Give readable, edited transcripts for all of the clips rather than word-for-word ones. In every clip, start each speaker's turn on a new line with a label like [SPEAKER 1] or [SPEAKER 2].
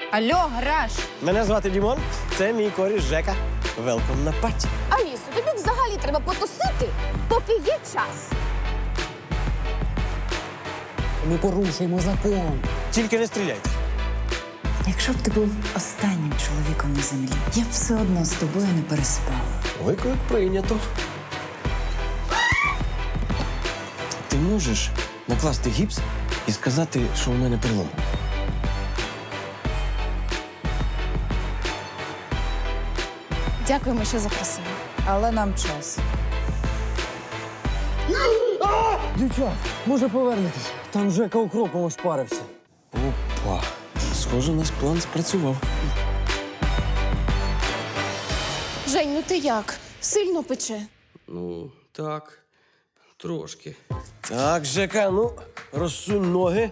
[SPEAKER 1] Алло, гараж!
[SPEAKER 2] Мене звати Дімон, це мій коріш Жека. Велком на паті.
[SPEAKER 3] Алісо, тобі взагалі треба потусити, поки є час.
[SPEAKER 4] Ми порушуємо закон.
[SPEAKER 2] Тільки не стріляйте.
[SPEAKER 5] Якщо б ти був останнім чоловіком на землі, я б все одно з тобою не переспала.
[SPEAKER 2] Виклик прийнято. Ти можеш накласти гіпс і сказати, що у мене перелом?
[SPEAKER 1] Дякуємо, що запросили.
[SPEAKER 5] Але нам час.
[SPEAKER 4] Дівчат, може повернетесь? Там Жека укропом ошпарився.
[SPEAKER 2] Опа. Схоже, наш план спрацював.
[SPEAKER 1] Жень, ну ти як? Сильно пече?
[SPEAKER 6] Ну, так, трошки.
[SPEAKER 2] Так, Жека, ну, розсунь ноги.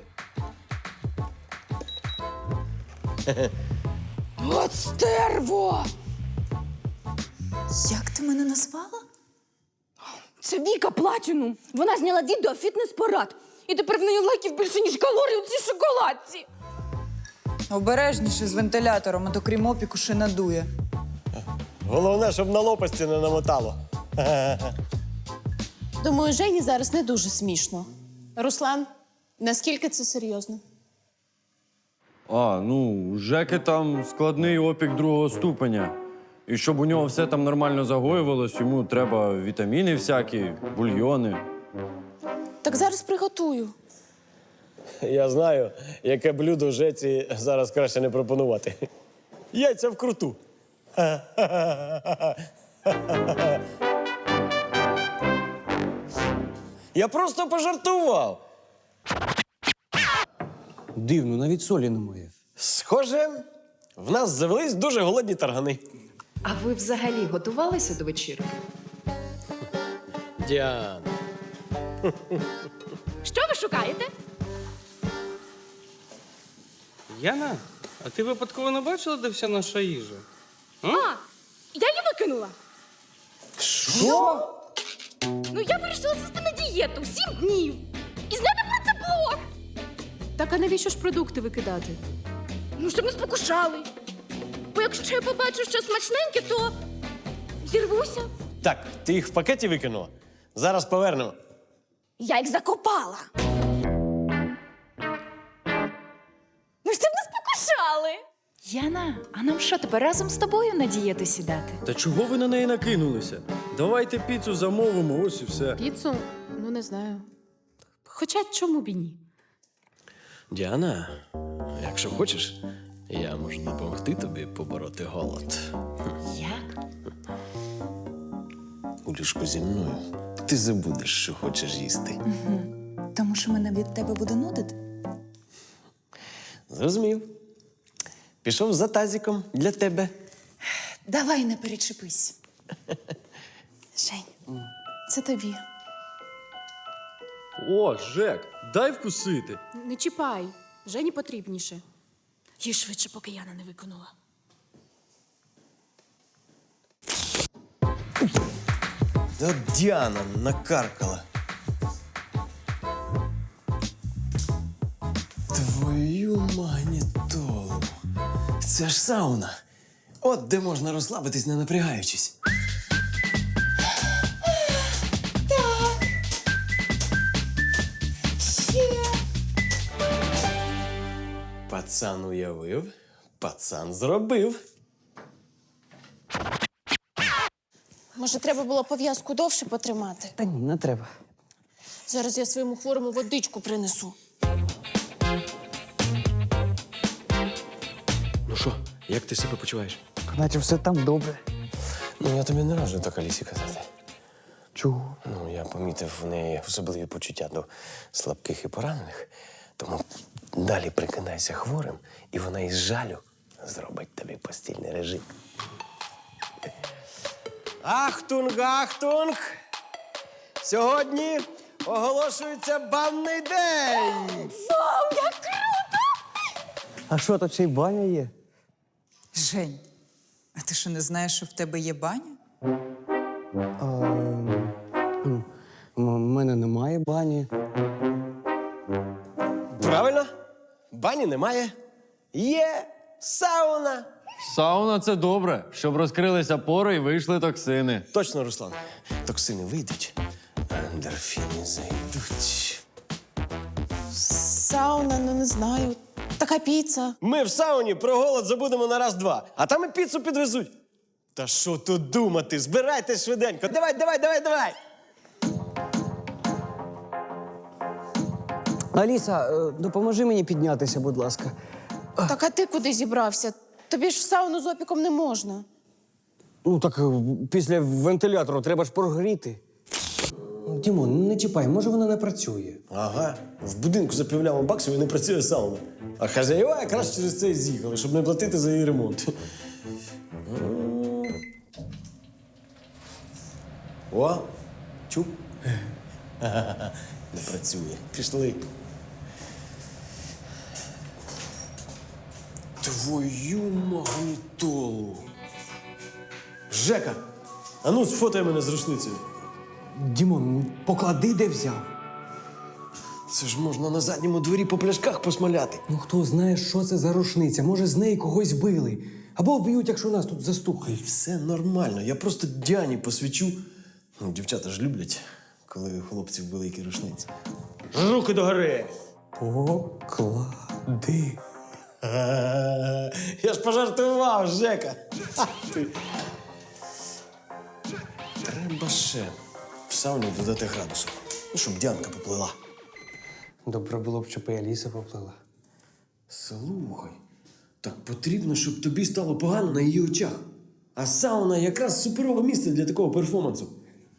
[SPEAKER 3] От стерво!
[SPEAKER 5] Як ти мене назвала?
[SPEAKER 3] Це Віка Платінум. Вона зняла відео фітнес-парад. І тепер в неї лайків більше, ніж калорій у цій шоколадці.
[SPEAKER 5] Обережніше з вентилятором, а то крім опіку ще надує.
[SPEAKER 2] Головне, щоб на лопасті не намотало.
[SPEAKER 1] Думаю, Жені зараз не дуже смішно. Руслан, наскільки це серйозно?
[SPEAKER 7] Ну, у Жеки там складний опік другого ступеня. І щоб у нього все там нормально загоювалось, йому треба вітаміни всякі, бульйони.
[SPEAKER 1] Так зараз приготую.
[SPEAKER 2] Я знаю, яке блюдо Жеці зараз краще не пропонувати. Яйця вкруту. Я просто пожартував.
[SPEAKER 4] Дивно, навіть солі немає.
[SPEAKER 2] Схоже, в нас завелись дуже голодні таргани.
[SPEAKER 8] А ви взагалі готувалися до вечірки?
[SPEAKER 2] Діана.
[SPEAKER 3] Що ви шукаєте?
[SPEAKER 6] Яна, а ти випадково не бачила, де вся наша їжа?
[SPEAKER 3] А, я її викинула.
[SPEAKER 2] Що?
[SPEAKER 3] Ну, я вирішила сісти на дієту 7 днів. І зняти про це блог.
[SPEAKER 1] Так а навіщо ж продукти викидати?
[SPEAKER 3] Ну, щоб не спокушали. Бо якщо я побачу щось смачненьке, то зірвуся.
[SPEAKER 2] Так, ти їх в пакеті викинула? Зараз повернемо.
[SPEAKER 3] Я їх закопала. Ну, щоб не спокушали.
[SPEAKER 5] Яна, а нам що, тепер разом з тобою на дієту сідати?
[SPEAKER 7] Та чого ви на неї накинулися? Давайте піцу замовимо, ось і все.
[SPEAKER 1] Піцу? Ну, не знаю. Хоча чому б і ні?
[SPEAKER 2] Діана, якщо хочеш, я можу допомогти тобі побороти голод.
[SPEAKER 5] Як?
[SPEAKER 2] У ліжку зі мною ти забудеш, що хочеш їсти.
[SPEAKER 5] Тому що мене від тебе буде нудити?
[SPEAKER 2] Зрозумів. Пішов за тазиком для тебе.
[SPEAKER 5] Давай не перечепись.
[SPEAKER 1] Жень, це тобі.
[SPEAKER 7] О, Жек, дай вкусити.
[SPEAKER 1] Не чіпай. Жені потрібніше. Їй швидше, поки Яна не виконала.
[SPEAKER 2] Та Діана накаркала. Твою магнітолу. Це ж сауна. От де можна розслабитись, не напрягаючись. Пацан уявив, пацан зробив.
[SPEAKER 1] Може, треба було пов'язку довше потримати?
[SPEAKER 4] Та ні, не треба.
[SPEAKER 1] Зараз я своєму хворому водичку принесу.
[SPEAKER 2] Ну що, як ти себе почуваєш?
[SPEAKER 4] Наче все там добре.
[SPEAKER 2] Ну, я тобі не раджу так Алісі казати.
[SPEAKER 4] Чого?
[SPEAKER 2] Ну, я помітив в неї особливі почуття до слабких і поранених. Тому далі прикидайся хворим, і вона із жалю зробить тобі постільний режим. Ахтунг, ахтунг! Сьогодні оголошується банний день!
[SPEAKER 3] Вау, як круто!
[SPEAKER 4] А що, тут ще й баня є?
[SPEAKER 5] Жень, а ти що не знаєш, що в тебе є баня?
[SPEAKER 4] У мене немає бані.
[SPEAKER 2] Правильно? Бані немає. Є сауна.
[SPEAKER 7] Сауна це добре, щоб розкрилися пори і вийшли токсини.
[SPEAKER 2] Точно, Руслан. Токсини вийдуть, а ендорфіни зайдуть.
[SPEAKER 1] Сауна, ну не знаю. Така піца.
[SPEAKER 2] Ми в сауні про голод забудемо на раз-два, а там і піцу підвезуть. Та що тут думати? Збирайтесь швиденько. Давай.
[SPEAKER 4] Аліса, допоможи мені піднятися, будь ласка.
[SPEAKER 1] Так а ти куди зібрався? Тобі ж в сауну з опіком не можна.
[SPEAKER 4] Ну так після вентилятору треба ж прогріти. Дімон, не чіпай, може вона не працює.
[SPEAKER 2] Ага, в будинку за півляма баксів і не працює сауна. А хазяїва якраз через це і з'їхали, щоб не платити за її ремонт. О, чув? Не працює. Пішли. Твою магнітолу. Жека, а ну сфотай мене з рушницею.
[SPEAKER 4] Дімон, поклади, де взяв.
[SPEAKER 2] Це ж можна на задньому дворі по пляшках посмаляти.
[SPEAKER 4] Ну хто знає, що це за рушниця? Може, з неї когось вбили. Або вб'ють, якщо нас тут застукають.
[SPEAKER 2] Все нормально, я просто Діані посвічу. Ну, дівчата ж люблять, коли у хлопців великі рушниці. Руки догори!
[SPEAKER 4] Поклади.
[SPEAKER 2] Я ж пожартував, Жека. Треба ще в сауні додати градусу, ну, щоб Діанка поплила.
[SPEAKER 4] Добре було б, щоб і Аліса поплила.
[SPEAKER 2] Слухай, так потрібно, щоб тобі стало погано на її очах. А сауна якраз суперове місце для такого перформансу.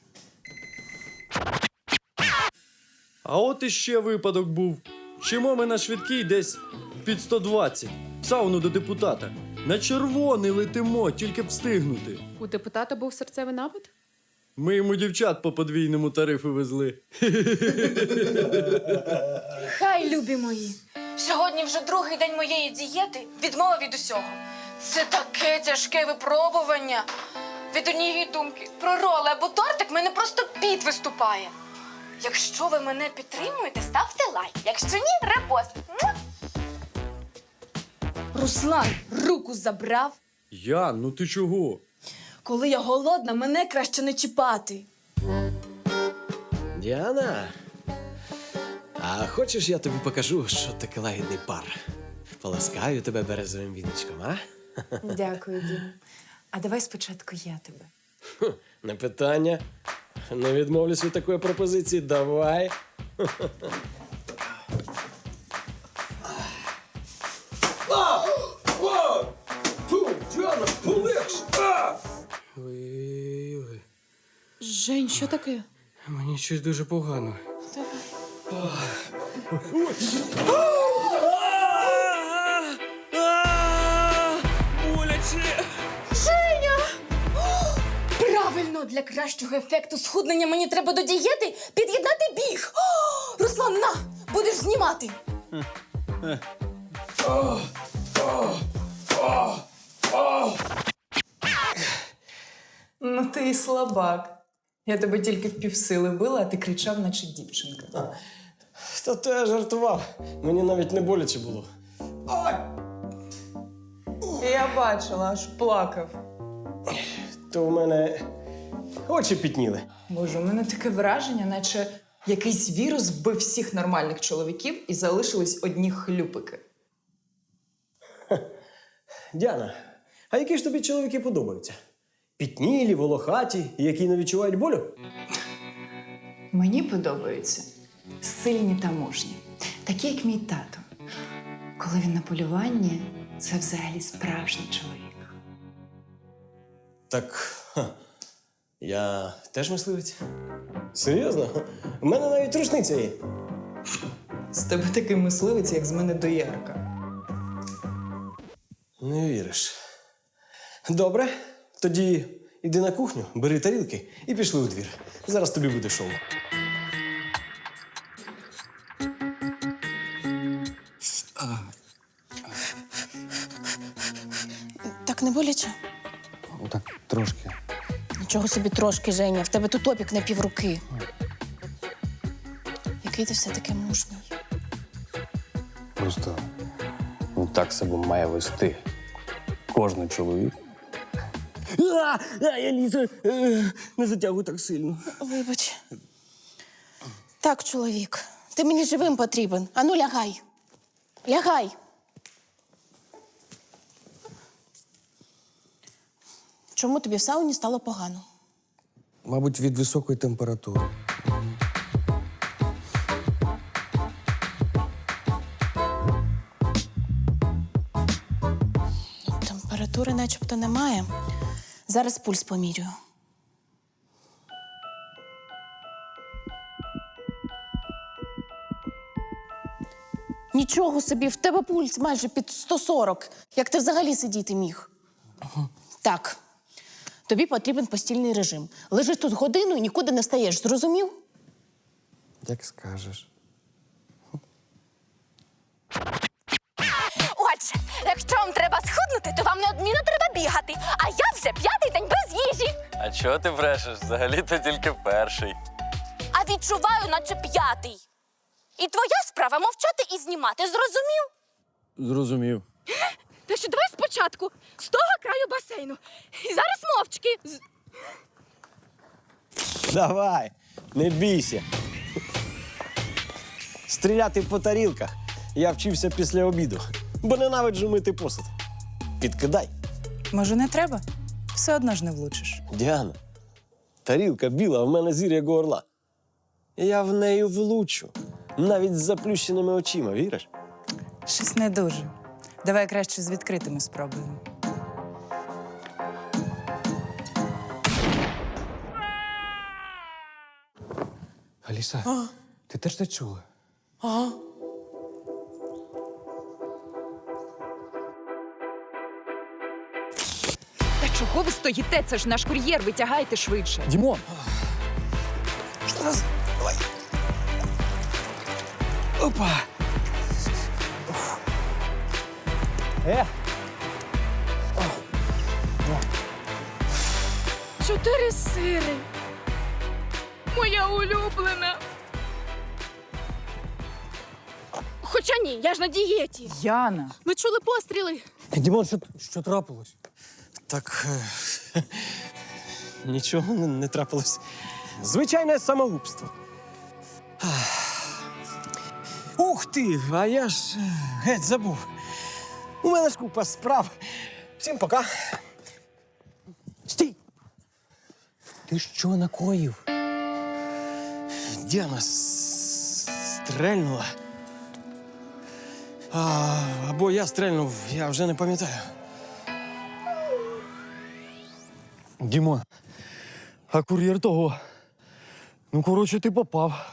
[SPEAKER 7] А от іще випадок був. Чимо ми на швидкій десь під 120. В сауну до депутата. На червоний летимо, тільки б встигнути.
[SPEAKER 8] У депутата був серцевий напад?
[SPEAKER 7] Ми йому дівчат по подвійному тарифу везли.
[SPEAKER 3] Хай, любі мої. Сьогодні вже другий день моєї дієти, відмова від усього. Це таке тяжке випробування. Від однієї думки про роли або тортик мене просто піт виступає. Якщо ви мене підтримуєте, ставте лайк. Якщо ні, репост. Муа! Руслан руку забрав.
[SPEAKER 7] Ян, ну ти чого?
[SPEAKER 3] Коли я голодна, мене краще не чіпати.
[SPEAKER 2] Діана, а хочеш, я тобі покажу, що таке лагідний пар? Поласкаю тебе березовим віночком, а?
[SPEAKER 5] Дякую, Дім. А давай спочатку я тебе.
[SPEAKER 2] Не питання. Не відмовлюсь від такої пропозиції. Давай. Діана, полегше!
[SPEAKER 6] Ой-ой-ой.
[SPEAKER 1] Жень, що таке?
[SPEAKER 6] Мені щось дуже погано. Боляче!
[SPEAKER 3] Правильно, для кращого ефекту схуднення мені треба до дієти під'єднати біг. О, Руслан, на, будеш знімати.
[SPEAKER 8] Ну ти і слабак. Я тебе тільки в півсили била, а ти кричав, наче дівчинка.
[SPEAKER 2] Та то я жартував. Мені навіть не боляче було.
[SPEAKER 8] Я бачила, аж плакав.
[SPEAKER 2] То в мене очі пітніли.
[SPEAKER 8] Боже, у мене таке враження, наче якийсь вірус вбив всіх нормальних чоловіків і залишились одні хлюпики.
[SPEAKER 2] Діана, а які ж тобі чоловіки подобаються? Пітнілі, волохаті, які не відчувають болю?
[SPEAKER 5] Мені подобаються сильні та мужні, такі, як мій тато. Коли він на полюванні, це взагалі справжній чоловік.
[SPEAKER 2] Так, я теж мисливець. Серйозно? У мене навіть рушниця є.
[SPEAKER 8] З тебе такий мисливець, як з мене доярка.
[SPEAKER 2] Не віриш. Добре, тоді іди на кухню, бери тарілки і пішли у двір. Зараз тобі буде шоу.
[SPEAKER 1] Так не боляче?
[SPEAKER 4] Так, трошки.
[SPEAKER 1] Нічого собі трошки, Женя. В тебе тут опік на півруки. Який ти все-таки мужній.
[SPEAKER 4] Просто
[SPEAKER 2] так себе має вести кожен чоловік.
[SPEAKER 4] Я Ліза, не затягуй так сильно.
[SPEAKER 1] Вибач. Так, чоловік, ти мені живим потрібен. Ану, лягай. Лягай. Чому тобі в сауні стало погано?
[SPEAKER 4] Мабуть, від високої температури.
[SPEAKER 1] Температури начебто немає. Зараз пульс помірюю. Нічого собі, в тебе пульс майже під 140. Як ти взагалі сидіти міг? Так. Тобі потрібен постільний режим. Лежиш тут годину і нікуди не стаєш, зрозумів?
[SPEAKER 4] Як скажеш.
[SPEAKER 9] Отже, якщо вам треба схуднути, то вам неодмінно треба бігати. А я вже 5-й день без їжі.
[SPEAKER 7] А чого ти брешеш? Взагалі-то тільки перший.
[SPEAKER 9] А відчуваю, наче 5-й. І твоя справа мовчати і знімати, зрозумів?
[SPEAKER 7] Зрозумів.
[SPEAKER 9] Та що давай спочатку, з того краю басейну. І зараз мовчки.
[SPEAKER 2] Давай, не бійся. Стріляти по тарілках я вчився після обіду, бо ненавиджу мити посуд. Підкидай.
[SPEAKER 8] Може, не треба? Все одно ж не влучиш.
[SPEAKER 2] Діана, тарілка біла, а в мене зір як у орла. Я в неї влучу, навіть з заплющеними очима, віриш?
[SPEAKER 8] Щось не дуже. Давай краще з відкритими спробуємо.
[SPEAKER 4] Аліса, ти теж це чула?
[SPEAKER 5] Та чого ви стоїте? Це ж наш кур'єр, витягайте швидше.
[SPEAKER 7] Дімон!
[SPEAKER 4] Опа!
[SPEAKER 3] 4 сири. Моя улюблена. Хоча ні, я ж на дієті.
[SPEAKER 8] Яна!
[SPEAKER 3] Ми чули постріли.
[SPEAKER 4] Дімон, що трапилось?
[SPEAKER 2] Так. Нічого не трапилось. Звичайне самогубство. Ух ти! А я ж геть забув. У мене ж купа справ. Всім пока. Стій!
[SPEAKER 4] Ти що накоїв?
[SPEAKER 2] Діана стрельнула. Або я стрельнув, я вже не пам'ятаю.
[SPEAKER 7] Дімон, а кур'єр того. Ну, коротше, ти попав.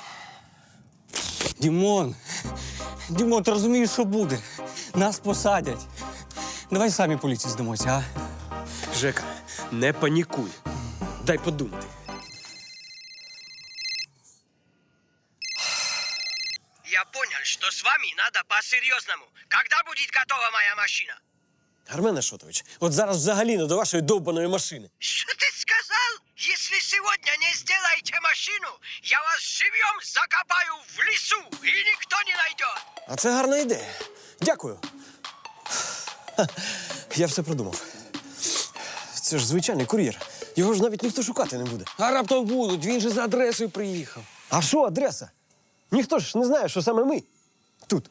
[SPEAKER 4] Дімон! Дімон, ти розумієш, що буде? Нас посадять. Давай самі поліції здамося, а?
[SPEAKER 2] Жека, не панікуй. Дай подумати.
[SPEAKER 10] Я понял, что с вами надо по-серьезному. Когда будет готова моя машина?
[SPEAKER 2] Армен Ашотович, от зараз взагалі не до вашої довбаної машини.
[SPEAKER 10] Что ты сказал? Если сегодня не сделаете машину, я вас живьем закопаю в лесу, и никто не найдет.
[SPEAKER 2] А це гарна ідея. Дякую. Я все продумав. Це ж звичайний кур'єр. Його ж навіть ніхто шукати не буде.
[SPEAKER 4] А раптом будуть, він же за адресою приїхав.
[SPEAKER 2] А що адреса? Ніхто ж не знає, що саме ми тут.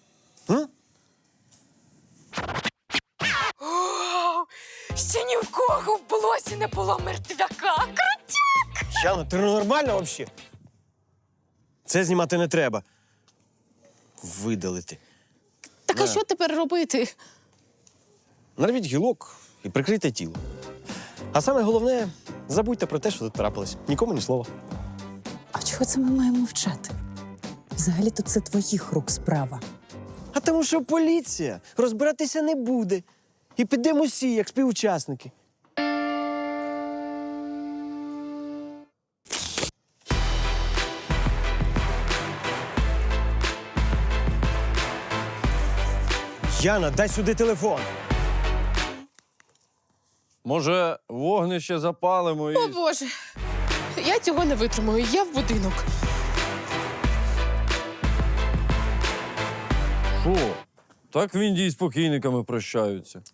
[SPEAKER 9] Ще ні в кого в блосі не було мертвяка.
[SPEAKER 2] Яна, ти нормальна взагалі? Це знімати не треба. Видалити.
[SPEAKER 1] Так а що тепер робити?
[SPEAKER 2] Нарвіть гілок і прикрийте тіло. А саме головне, забудьте про те, що тут трапилось. Нікому ні слова.
[SPEAKER 11] А чого це ми маємо мовчати? Взагалі-то це твоїх рук справа.
[SPEAKER 2] А тому що поліція розбиратися не буде. І підемо всі, як співучасники. Яна, дай сюди телефон.
[SPEAKER 7] Може, вогнище запалимо і...
[SPEAKER 1] О, Боже. Я цього не витримую. Я в будинок.
[SPEAKER 7] Що? Так в Індії з покійниками прощаються.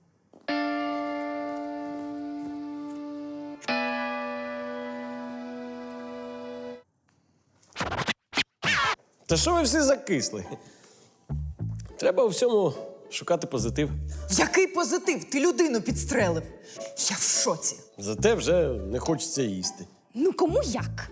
[SPEAKER 2] Та що ви всі закисли? Треба у всьому шукати позитив.
[SPEAKER 8] Який позитив? Ти людину підстрелив. Я в шоці.
[SPEAKER 2] Зате вже не хочеться їсти.
[SPEAKER 9] Ну кому як?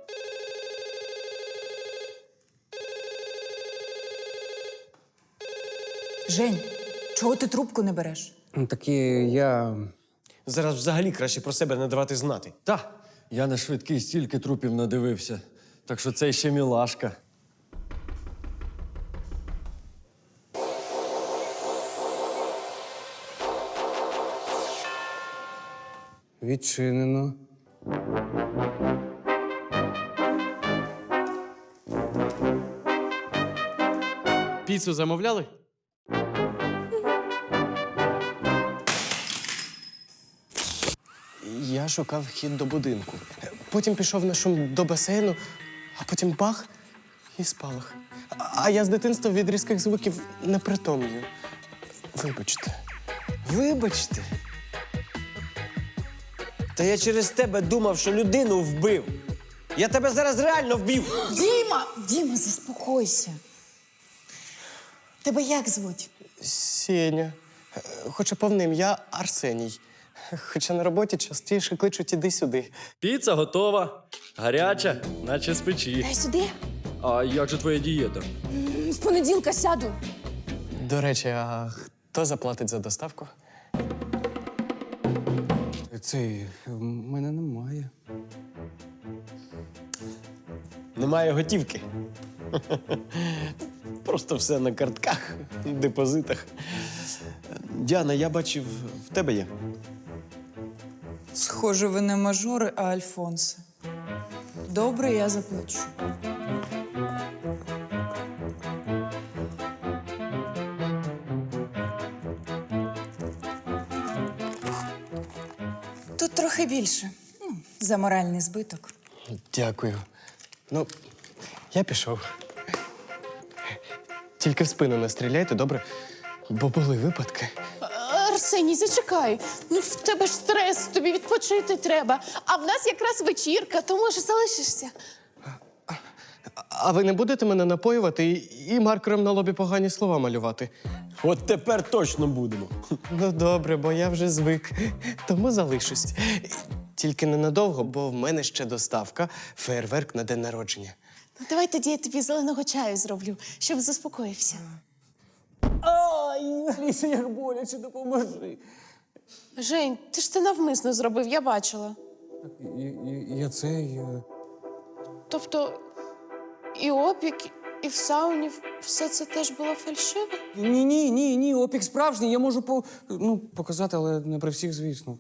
[SPEAKER 8] Жень, чого ти трубку не береш?
[SPEAKER 4] Так і я.
[SPEAKER 2] Зараз взагалі краще про себе не давати знати.
[SPEAKER 7] Та, я на швидкий стільки трупів надивився. Так що це ще мілашка.
[SPEAKER 4] Відчинено.
[SPEAKER 6] Піцу замовляли?
[SPEAKER 12] Я шукав вхід до будинку. Потім пішов на шум до басейну, а потім бах і спалах. А я з дитинства від різких звуків не притомлюю. Вибачте.
[SPEAKER 2] Вибачте. Та я через тебе думав, що людину вбив. Я тебе зараз реально вбив.
[SPEAKER 11] Діма, заспокойся. Тебе як звуть?
[SPEAKER 12] Сеня. Хоча повне ім'я Арсеній. Хоча на роботі частіше кличуть іди-сюди.
[SPEAKER 7] Піца готова. Гаряча, наче з печі.
[SPEAKER 9] Дай сюди.
[SPEAKER 7] А як же твоя дієта?
[SPEAKER 9] З понеділка сяду.
[SPEAKER 12] До речі, а хто заплатить за доставку?
[SPEAKER 4] Цей в мене немає.
[SPEAKER 2] Немає готівки. Просто все на картках, депозитах. Діана, я бачив, в тебе є.
[SPEAKER 8] Схоже, ви не мажори, а альфонси. Добре, я заплачу. Тут трохи більше. За моральний збиток.
[SPEAKER 12] Дякую. Ну, я пішов. Тільки в спину не стріляйте, добре? Бо були випадки.
[SPEAKER 1] Арсеній, зачекай. Ну, в тебе ж стрес, тобі відпочити треба. А в нас якраз вечірка, то може залишишся.
[SPEAKER 12] А ви не будете мене напоювати і маркером на лобі погані слова малювати?
[SPEAKER 2] От тепер точно будемо.
[SPEAKER 12] Ну, добре, бо я вже звик. Тому залишусь. Тільки ненадовго, бо в мене ще доставка, фейерверк на день народження.
[SPEAKER 1] Ну, давай тоді я тобі зеленого чаю зроблю, щоб заспокоївся.
[SPEAKER 4] Ай, Аліса, як боляче, допоможи.
[SPEAKER 1] Жень, ти ж це навмисно зробив, я бачила.
[SPEAKER 4] Я цей.
[SPEAKER 1] Тобто і опік, і в сауні все це теж було фальшиве?
[SPEAKER 4] Ні, опік справжній. Я можу показати, але не при всіх, звісно.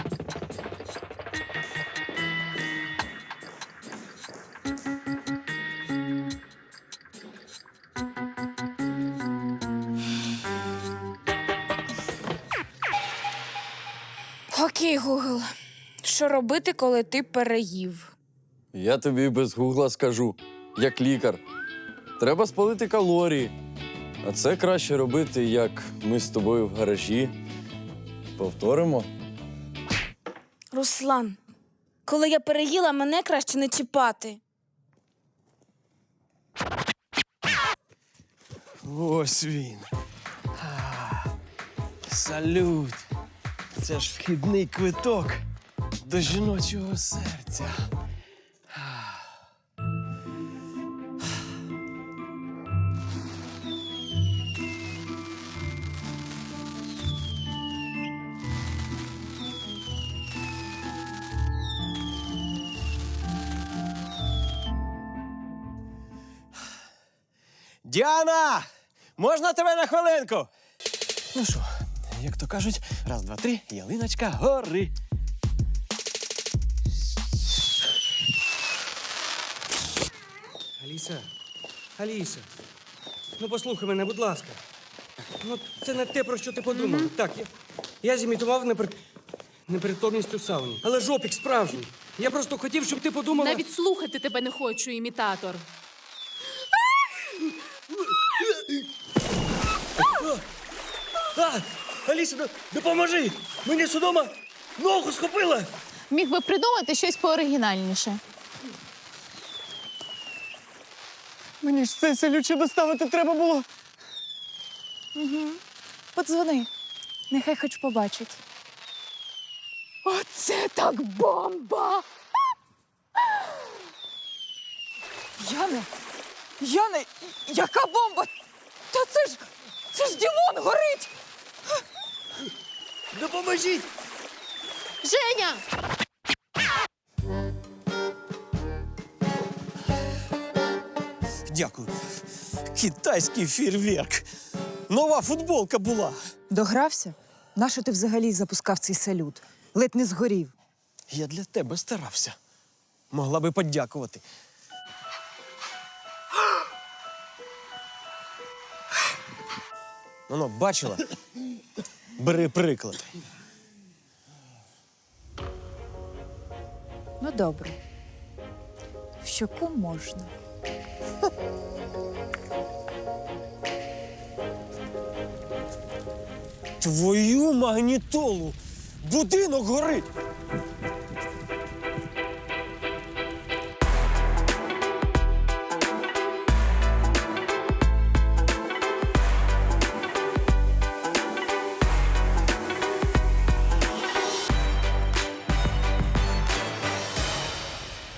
[SPEAKER 3] Окей, Гугл. Що робити, коли ти переїв?
[SPEAKER 7] Я тобі без гугла скажу, як лікар. Треба спалити калорії. А це краще робити, як ми з тобою в гаражі. Повторимо?
[SPEAKER 3] Руслан, коли я переїла, мене краще не чіпати.
[SPEAKER 2] Ось він. Салют. Це ж вхідний квиток до жіночого серця. Діана! Можна тебе на хвилинку? Ну що, як то кажуть, раз, два, три, ялиночка, гори.
[SPEAKER 6] Аліса, ну послухай мене, будь ласка. Ну, це не те, про що ти подумав. Так, я зімітував непритомність у сауні. Але ж опік справжній. Я просто хотів, щоб ти подумала...
[SPEAKER 13] Навіть слухати тебе не хочу, імітатор.
[SPEAKER 6] Аліса, допоможи! Мені судома ногу схопила!
[SPEAKER 1] Міг би придумати щось пооригінальніше.
[SPEAKER 12] Мені ж це селюче доставити треба було.
[SPEAKER 5] Подзвони. Нехай хоч побачить.
[SPEAKER 1] Оце так бомба!
[SPEAKER 8] Яна, яка бомба? Та це ж Дімон горить!
[SPEAKER 6] Допоможіть!
[SPEAKER 1] Женя!
[SPEAKER 4] Дякую. Китайський фейерверк. Нова футболка була.
[SPEAKER 5] Догрався? Нащо ти взагалі запускав цей салют? Ледь не згорів.
[SPEAKER 4] Я для тебе старався. Могла би подякувати. Ну, бачила? Бери приклад.
[SPEAKER 5] Ну, добре. В щоку можна.
[SPEAKER 4] Твою магнітолу! Будинок горить!